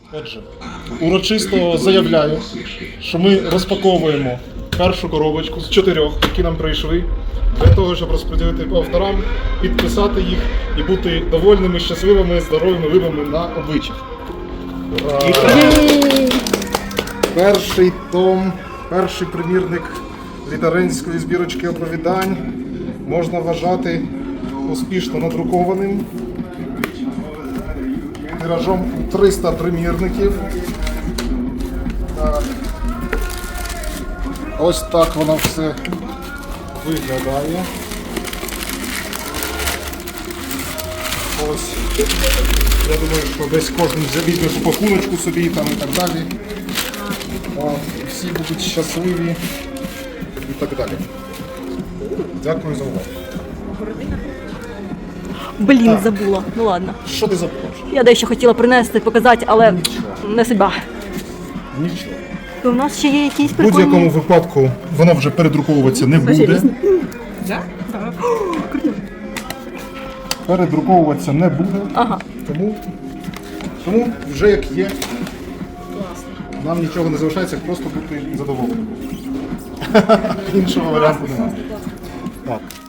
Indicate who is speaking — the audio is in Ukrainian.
Speaker 1: Отже, урочисто заявляю, що ми розпаковуємо першу коробочку з 4, які нам прийшли, для того, щоб розподілити по авторам, підписати їх і бути довольними, щасливими, здоровими вибами на обличчях. Перший том, перший примірник літаренської збірочки оповідань можна вважати успішно надрукованим. Тиражом 300 примірників. Так. Ось так воно все виглядає. Ось. Я думаю, що десь кожен візьме пакуночку собі там і так далі. І всі будуть щасливі і так далі. Дякую за увагу.
Speaker 2: Блін,
Speaker 1: Так.
Speaker 2: забула. Ну ладно.
Speaker 1: Що ти забула?
Speaker 2: Я дещо хотіла принести, показати, але не судьба.
Speaker 1: Нічого.
Speaker 2: То у нас ще є якісь
Speaker 1: В
Speaker 2: прикольні...
Speaker 1: будь-якому випадку воно вже передруковуватися не буде. Передруковуватися не буде.
Speaker 2: Ага.
Speaker 1: Тому вже як є. Нам нічого не залишається, як просто бути задоволеним. Іншого варіанту немає. Так.